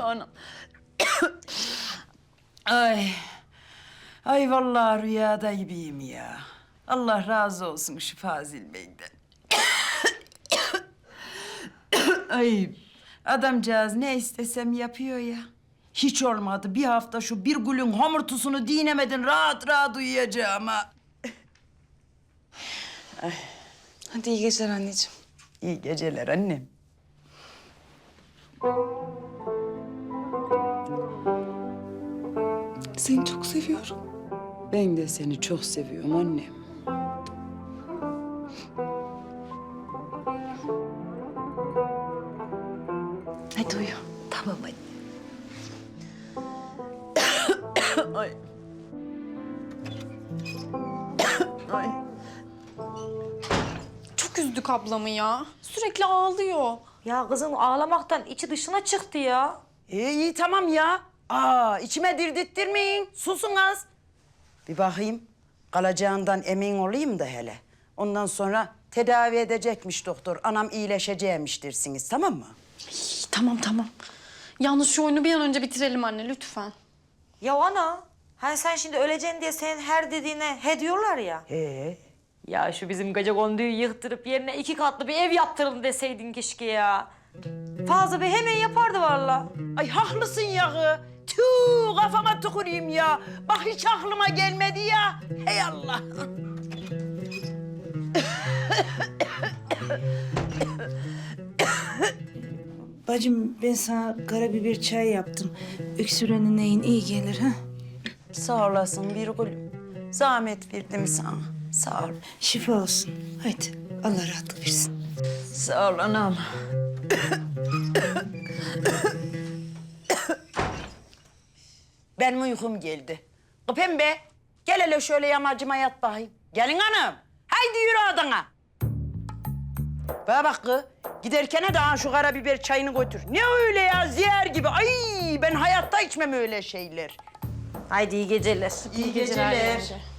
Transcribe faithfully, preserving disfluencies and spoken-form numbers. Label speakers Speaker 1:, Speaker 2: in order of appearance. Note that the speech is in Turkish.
Speaker 1: Anam. Ay. Ay vallahi rüyada gibiyim ya. Allah razı olsun şu Fazil Bey'den. Ay. Adamcağız ne istesem yapıyor ya. Hiç olmadı. Bir hafta şu bir gülün homurtusunu dinemedin rahat rahat uyuyacağım ha.
Speaker 2: Hadi iyi geceler anneciğim.
Speaker 1: İyi geceler annem.
Speaker 2: Seni çok seviyorum.
Speaker 1: Ben de seni çok seviyorum annem.
Speaker 2: Hadi uyu.
Speaker 1: Tamam anne. Ay. Ay.
Speaker 3: Çok üzdük ablamı ya. Sürekli ağlıyor.
Speaker 4: Ya kızım ağlamaktan içi dışına çıktı ya.
Speaker 1: İyi, iyi tamam ya. Aa, içime dirdirttirmeyin. Susun az. Bir bakayım. Kalacağından emin olayım da hele. Ondan sonra tedavi edecekmiş doktor. Anam iyileşeceğimiş dersiniz, tamam mı?
Speaker 3: İyi, tamam tamam. Yalnız şu oyunu bir an önce bitirelim anne lütfen.
Speaker 4: Ya ana, hani sen şimdi öleceksin diye senin her dediğine he diyorlar ya.
Speaker 1: Ee,
Speaker 4: Ya şu bizim gecekonduyu yıktırıp yerine iki katlı bir ev yaptıralım deseydin keşke ya. Fazla Bey hemen yapardı vallahi.
Speaker 1: ay haklısın yağı. Tüh kafama tüküreyim ya. Bak hiç aklıma gelmedi ya. Hey Allah.
Speaker 2: Bacım ben sana karabiber çay yaptım. Öksürenin neyin iyi gelir ha?
Speaker 1: Sağ olasın bir gülüm. Zahmet verdim sana. Sağ ol.
Speaker 2: Şifa olsun. Haydi Allah rahatlık versin.
Speaker 1: Sağ ol anam. Benim uykum geldi. Kı Pembe, gel hele şöyle yamacıma yat bakayım. Gelin hanım. Haydi yürü odana. Bana bak kız, giderken de ha şu karabiber çayını götür. Ne öyle ya, zehir gibi. Ay ben hayatta içmem öyle şeyler.
Speaker 4: Haydi iyi geceler.
Speaker 1: İyi geceler.